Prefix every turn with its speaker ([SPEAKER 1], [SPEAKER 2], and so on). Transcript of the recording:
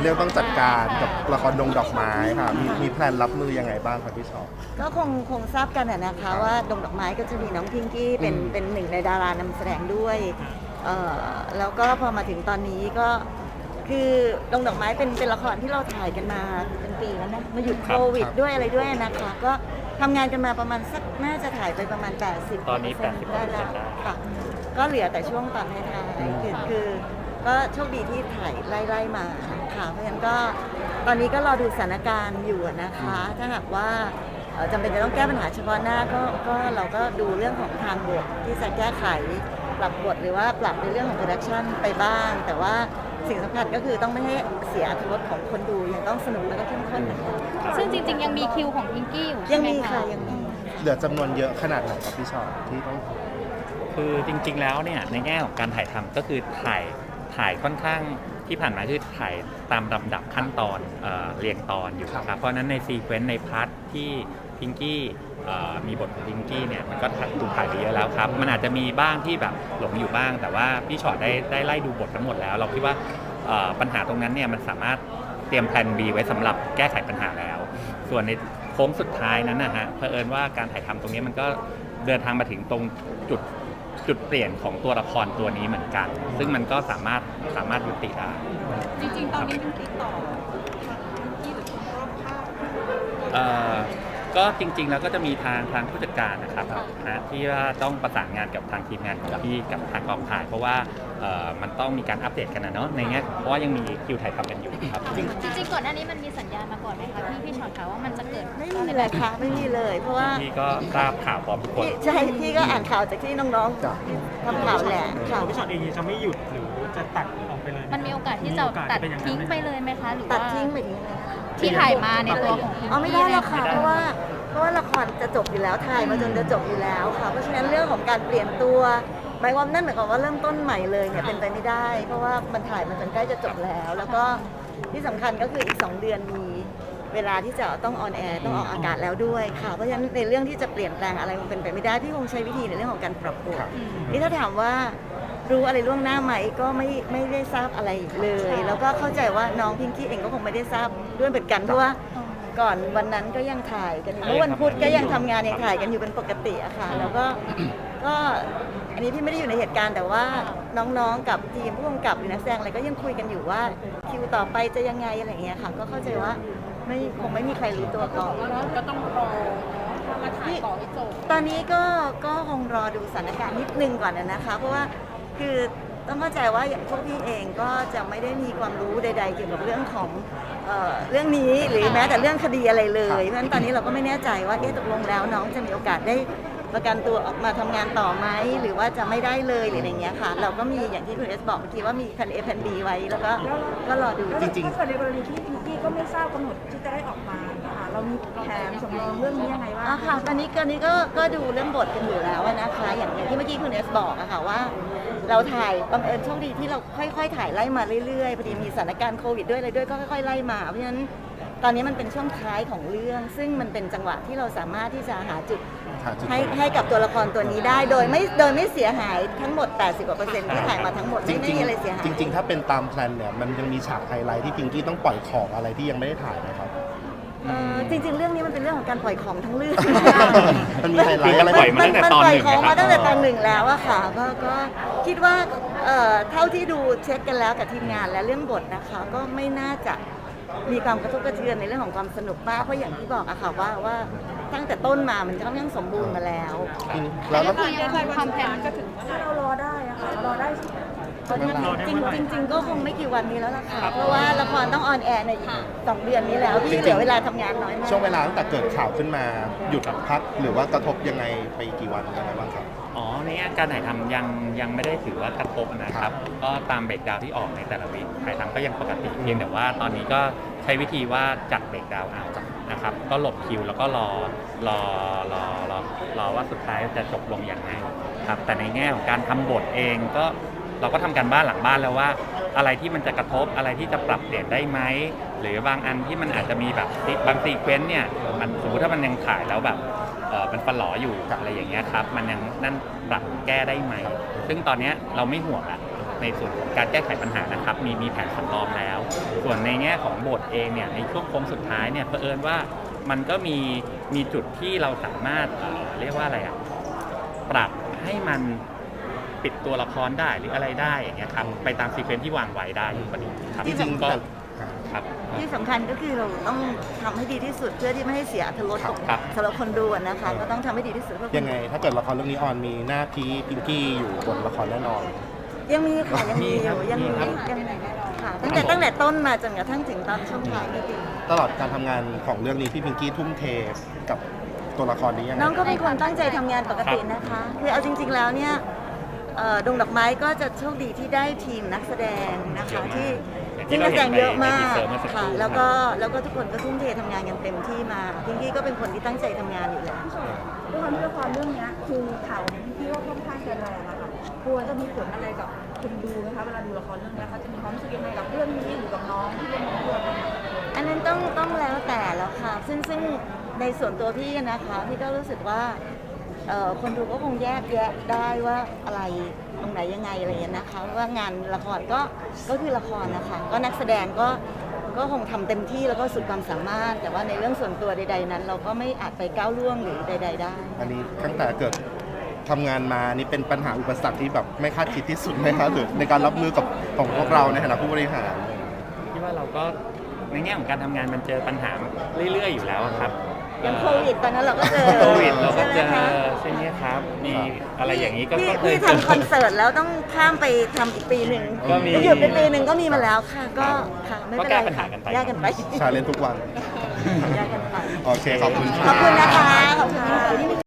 [SPEAKER 1] เรื่องต้องจัดการกับละครดงดอกไม้ค่ะมีแพลนรับมือยังไงบ้างครับพี่ชอบ
[SPEAKER 2] ก็คงทราบกันนะคะว่าดงดอกไม้ก็จะมีน้องพิงกี้เป็นหนึ่งในดารานำแสดงด้วยแล้วก็พอมาถึงตอนนี้ก็คือดงดอกไม้เป็นละครที่เราถ่ายกันมาเป็นปีแล้วนะมาหยุดโควิดด้วยอะไรด้วยนะคะก็ทำงานกันมาประมาณสักน่าจะถ่ายไปประมาณ80%
[SPEAKER 3] ตอนนี้
[SPEAKER 2] ได้แล้วค่ะก็เหลือแต่ช่วงตอนท้ายๆคือก็โชคดีที่ถ่ายไล่มาค่ะเพราะฉะนั้นก็ตอนนี้ก็รอดูสถานการณ์อยู่นะคะถ้าหากว่าจำเป็นจะต้องแก้ปัญหาเฉพาะหน้าก็เราก็ดูเรื่องของทางบทที่จะแก้ไขปรับบทหรือว่าปรับในเรื่องของโปรดักชันไปบ้างแต่ว่าสิ่งสำคัญก็คือต้องไม่ให้เสียอรรถรสของคนดูยังต้องสนุกแล้วก็เข้มข้นเหมือนกัน
[SPEAKER 4] ซึ่งจริงๆยังมีคิวของพิงกี้อยู่
[SPEAKER 2] ยังมีค่ะยังมี
[SPEAKER 1] เหลือจำนวนเยอะขนาดไหนครับพี่ชอบที่ต้อง
[SPEAKER 3] คือจริงๆแล้วเนี่ยในแง่ของการถ่ายทำก็คือถ่ายค่อนข้างที่ผ่านมาคือถ่ายตามลำดับขั้นตอนเรียงตอนอยู่ครับเพราะนั้นในซีเควนต์ในพาร์ทที่พิงกี้มีบทของพิงกี้เนี่ยมันก็ถูกถ่ายไปเยอะแล้วครับมันอาจจะมีบ้างที่แบบหลงอยู่บ้างแต่ว่าพี่ชอตได้ไล่ดูบททั้งหมดแล้วเราคิดว่าปัญหาตรงนั้นเนี่ยมันสามารถเตรียมแผน B ไว้สำหรับแก้ไขปัญหาแล้วส่วนในโค้งสุดท้ายนั้นนะฮะเผอิญว่าการถ่ายทำตรงนี้มันก็เดินทางมาถึงตรงจุดเปลี่ยนของตัวละครตัวนี้เหมือนกันซึ่งมันก็สามารถยุติได้
[SPEAKER 4] จริงๆตอนนี้เป็นติดต่อที่หรือคนรอบข้าง
[SPEAKER 3] ก็จริงๆแล้วก็จะมีทางผู้จัดการนะครับนะที่ว่าต้องประสานงานกับทางทีมงานของพี่กับทางกองถ่ายเพราะว่ามันต้องมีการอัปเดตกันนะเนาะในเงี้ยเพราะว่ายังมีคิวถ่ายทำกันอยู่ครับ
[SPEAKER 4] จริงๆก่อนหน้านี้มันมีสัญญาณมาก่อนไหมคะพี่ชอนคะว่ามันจะเกิด
[SPEAKER 2] ไม่มีเลยค่ะไม่มีเลยเพราะว่า
[SPEAKER 3] พี่ก็ทราบข่าวพร้อมทุกคน
[SPEAKER 2] ใช่พี่ก็อ่านข่าวจากที่น้องๆทำข่าวแหละข่าว
[SPEAKER 5] พี่ชอนเองจะไม่หยุดหรือจะตัดออกไปเลย
[SPEAKER 4] มันมีโอกาสที่จะตัดทิ้งไปเลยไหมคะหรือว่า
[SPEAKER 2] ตัดทิ้งแบบนี้เลย
[SPEAKER 4] ที่ถ่ายมาในตัวของพิงกี้
[SPEAKER 2] ไม่ได้หรอกค่ะเพราะว่าละครจะจบอยู่แล้วถ่ายมาจนจะจบอยู่แล้วค่ะเพราะฉะนั้นเรื่องของการเปลี่ยนตัวหมายความนั่นหมายความว่าเริ่มต้นใหม่เลยเนี่ยเป็นไปไม่ได้เพราะว่ามันถ่ายมาจนใกล้จะจบแล้วก็ที่สำคัญก็คืออีก2 เดือนมีเวลาที่จะต้องออนแอร์ต้องออกอากาศแล้วด้วยค่ะเพราะฉะนั้นในเรื่องที่จะเปลี่ยนแปลงอะไรมันเป็นไปไม่ได้พี่คงใช้วิธีในเรื่องของการปรับบทนี่ถ้าถามว่ารู้อะไรล่วงหน้าไหมก็ไม่ได้ทราบอะไรเลยแล้วก็เข้าใจว่าน้องพิงกี้เองก็คงไม่ได้ทราบด้วยเหมือนกันเพราะว่าก่อนวันนั้นก็ยังถ่ายกันอยู่เมื่อวันพุธก็ยังทำงานยังถ่ายกันอยู่เป็นปกติอะค่ะแล้วก็อันนี้พี่ไม่ได้อยู่ในเหตุการณ์แต่ว่าน้องๆกับทีมผู้กำกับหรือนักแสดงอะไรก็ยังคุยกันอยู่ว่าคิวต่อไปจะยังไงอะไรอย่างเงี้ยค่ะก็เข้าใจว่าคงไม่มีใครรู้ตัวก่อน
[SPEAKER 4] ก็ต้องรอมาถ่ายต่อให้จบ
[SPEAKER 2] ตอนนี้ก็คงรอดูสถานการณ์นิดนึงก่อนนะคะเพราะว่าคือต้องเข้าใจว่าอย่างพวกพี่เองก็จะไม่ได้มีความรู้ใดๆเกี่ยวกับเรื่องของเรื่องนี้หรือแม้แต่เรื่องคดีอะไรเลยเพราะฉะนั้นตอนนี้เราก็ไม่แน่ใจว่าตกลงแล้วน้องจะมีโอกาสได้ประกันตัวออกมาทำงานต่อไหมหรือว่าจะไม่ได้เลยหรืออะไรเงี้ยค่ะเราก็มีอย่างที่คุณเอสบอกเมื่อกี้ว่ามีแผน A แผน B ไว้แล้วก็รอดู
[SPEAKER 1] จริงๆ
[SPEAKER 6] ถ้าเกิดในกรณีที่พิงกี้ก็ไม่ทราบกำหนดที่จะได้ออกมาค่ะเรามีแผนสำรองเรื่องนี้ยังไงบ้าง
[SPEAKER 2] ค่ะตอนนี้ก็ดูเรื่องบทกันอยู่แล้วนะคะอย่างที่เมื่อกี้คุณเอสบอกอะค่ะว่าเราถ่ายบังเอิญโชคดีที่เราค่อยๆถ่ายไล่มาเรื่อยๆพอดีมีสถานการณ์โควิดด้วยอะไรด้วยก็ค่อยๆไล่มาเพราะฉะนั้นตอนนี้มันเป็นช่วงท้ายของเรื่องซึ่งมันเป็นจังหวะที่เราสามารถที่จะหาจุดให้กับตัวละครตัวนี้ได้โดยไม่เสียหายทั้งหมด 80% ที่ถ่ายมาทั้งหมดไม่มีอะไรเสียหาย
[SPEAKER 1] จริงๆถ้าเป็นตามแพลนเนี่ยมันยังมีฉากไฮไลท์ที่พิงกี้ต้องปล่อยของอะไรที่ยังไม่ได้ถ่ายนะครับ
[SPEAKER 2] จริงๆเรื่องนี้มันเป็นเรื่องของการปล่อยของทั้งเรื่อง
[SPEAKER 1] มันมีไฮไลท์อะไร
[SPEAKER 3] ปล่อยมาตั้งแต่ตอน 1
[SPEAKER 2] ของมาตั้งแต่ตอน 1แล้วอะค่ะก็คิดว่าเท่าที่ดูเช็คกันแล้วกับทีมงานและเรื่องบทนะคะก็ไม่น่าจะมีความกระทบกระเทือนในเรื่องของความสนุกมากเพราะอย่างที่บอกอะค่ะว่าตั้งแต่ต้นมามันค่อนข้างสมบูรณ์มาแล้ว
[SPEAKER 6] แล้วความแผนก็ถึงถ้าเรารอได้อะค่ะรอได้
[SPEAKER 2] จริงก็คงไม่กี่วันนี้แล้วล่ะค่ะเพราะว่าละครต้องออนแอร์ใน2 เดือนนี้แล้วพี่เหลือเวลาทำงานน้อยมาก
[SPEAKER 1] ช่วงเวลาตั้งแต่เกิดข่าวขึ้นมาหยุดพักหรือว่ากระทบยังไงไปกี่วันยังไงบ้างครับ
[SPEAKER 3] ในการถ่ายทำยังไม่ได้ถือว่ากระทบนะครับก็ตามเบรกดาวที่ออกในแต่ละวีคถ่ายทำก็ยังปกติเพียงแต่ว่าตอนนี้ก็ใช้วิธีว่าจัดเบรกดาวเอานะครับก็หลบคิวแล้วก็รอว่าสุดท้ายจะจบลงอย่างไรครับแต่ในแง่ของการทำบทเองก็เราก็ทำการบ้านหลังบ้านแล้วว่าอะไรที่มันจะกระทบอะไรที่จะปรับเปลี่ยนได้ไหมหรือบางอันที่มันอาจจะมีแบบบางซีเควนซ์เนี่ยมันสมมติถ้ามันยังถ่ายแล้วแบบมันฟันหลออยู่อะไรอย่างเงี้ยครับมันยังนั่นปรับแก้ได้ไหมซึ่งตอนนี้เราไม่ห่วงละในส่วนของการแก้ไขปัญหานะครับมีแผนสำรองแล้ว ส่วนในแง่ของบทเองเนี่ยในช่วงโค้งสุดท้ายเนี่ยเผอิญว่ามันก็มีจุดที่เราสามารถเรียกว่าอะไรอะปรับให้มันปิดตัวละครได้หรืออะไรได้อย่างเงี้ยครับไปตามซีเควนซ์ที่วางไว้ได้อยู่พอดีครับ
[SPEAKER 1] จริงๆ
[SPEAKER 3] ก็
[SPEAKER 1] แต่
[SPEAKER 3] ครับ
[SPEAKER 2] ที่สำคัญก็คือเราต้องทำให้ดีที่สุดเพื่อที่ไม่ให้เสียอรรถรสของ
[SPEAKER 3] ครับ
[SPEAKER 2] สำหรับคนดูอะนะคะ ก็ต้องทำให้ดีที่สุดเพื่อคน
[SPEAKER 1] ยังไงถ้าเกิดละครเรื่องนี้ออนมีหน้าพีพิงกี้อยู่บนละครแน่นอน
[SPEAKER 2] ยังมีค่ะยังมี
[SPEAKER 3] มี
[SPEAKER 2] อ
[SPEAKER 3] ครับ
[SPEAKER 2] ยู่ยังมี
[SPEAKER 3] มีครับ
[SPEAKER 2] ยังมีค่ะตั้งแต่ต้นมาจนกระทั่งถึงตอนช่วงท้ายนี่เอง
[SPEAKER 1] ตลอดการทำงานของเรื่องนี้พี่พิงกี้ทุ่มเทกับตัวละครนี้ยังไง
[SPEAKER 2] น้องก็เป็นคนตั้งใจทำงานปกตินะคะ คือเอาจริง ๆแล้วเนี่ยดงดอกไม้ก็จะโชคดีที่ได้ทีมนักแสดงนะคะที่
[SPEAKER 3] อย่างที่
[SPEAKER 2] ที่นักแสดงเยอะมาก
[SPEAKER 3] เราเห็นในทีเซอร์เมื่อสักครู่
[SPEAKER 2] ค่ะแล้วก็ทุกคนก็ทุ่มเททำงานกันเต็มที่มาพิงกี้ก็เป็นคนที่ตั้งใจทำงานอยู่แล้ว
[SPEAKER 6] ด้วยความที่ละครเรื่องเนี้ยคือข่าวที่ว่าค่อนข้างจะแรงอะค่ะกลัวจะมีผลอะไรกับคุณดูไหมคะเวลาดูละครเรื่องนี้เขาจะมีความรู้สึกยังไงกับเรื่องนี้หรือกับน้องที่เล่นด้วยนะคะ
[SPEAKER 2] อันนั้นต้องแล้วแต่แล้วค่ะ ซึ่งในส่วนตัวพี่นะคะพี่ก็รู้สึกว่าคนดูก็คงแยกแยะได้ว่าอะไรตรงไหนยังไงอะไรอย่างเงี้ยนะคะว่างานละครก็คือละครนะคะก็นักแสดงก็คงทำเต็มที่แล้วก็สุดความสามารถ แต่ว่าในเรื่องส่วนตัวใด ๆ นั้น เราก็ไม่อาจไปก้าวล่วงหรือใด ๆ ได้
[SPEAKER 1] อันนี้ตั้งแต่เกิดทำงานมานี่เป็นปัญหาอุปสรรคที่แบบไม่คาดคิดที่สุดไหมครับหรือในการรับมือกับของพวกเราในฐานะผู้บริหาร
[SPEAKER 3] ที่ว่าเราก็ในแง่ของการทำงานมันเจอปัญหาเรื่อยๆอยู่แล้วอะครับ
[SPEAKER 2] อย่างโควิดตอนนั้นเราก็เจอ
[SPEAKER 3] โควิดเราก็เจอ
[SPEAKER 2] ใช่ไหมคะ
[SPEAKER 3] ใช่ไหมครับมีอะไรอย่างนี้ก็
[SPEAKER 2] พี่
[SPEAKER 3] เคย
[SPEAKER 2] พี่
[SPEAKER 3] เจอ
[SPEAKER 2] ทำคอนเสิร์ตแล้วต้องข้ามไปทำอีกปีหนึ่ง
[SPEAKER 3] ก็มี
[SPEAKER 2] แล้วหยุดไปปีหนึ่งก็มีมาแล้วค่ะก็ค่ะไม่เป็นไร
[SPEAKER 3] ก็แก้ปัญหากันไป
[SPEAKER 2] แยกกันไป
[SPEAKER 1] ชาเลนทุกวัน
[SPEAKER 2] แยกกันไป
[SPEAKER 1] โอเค ขอบคุณ
[SPEAKER 2] ขอบคุณนะคะ ขอบคุณค่ะ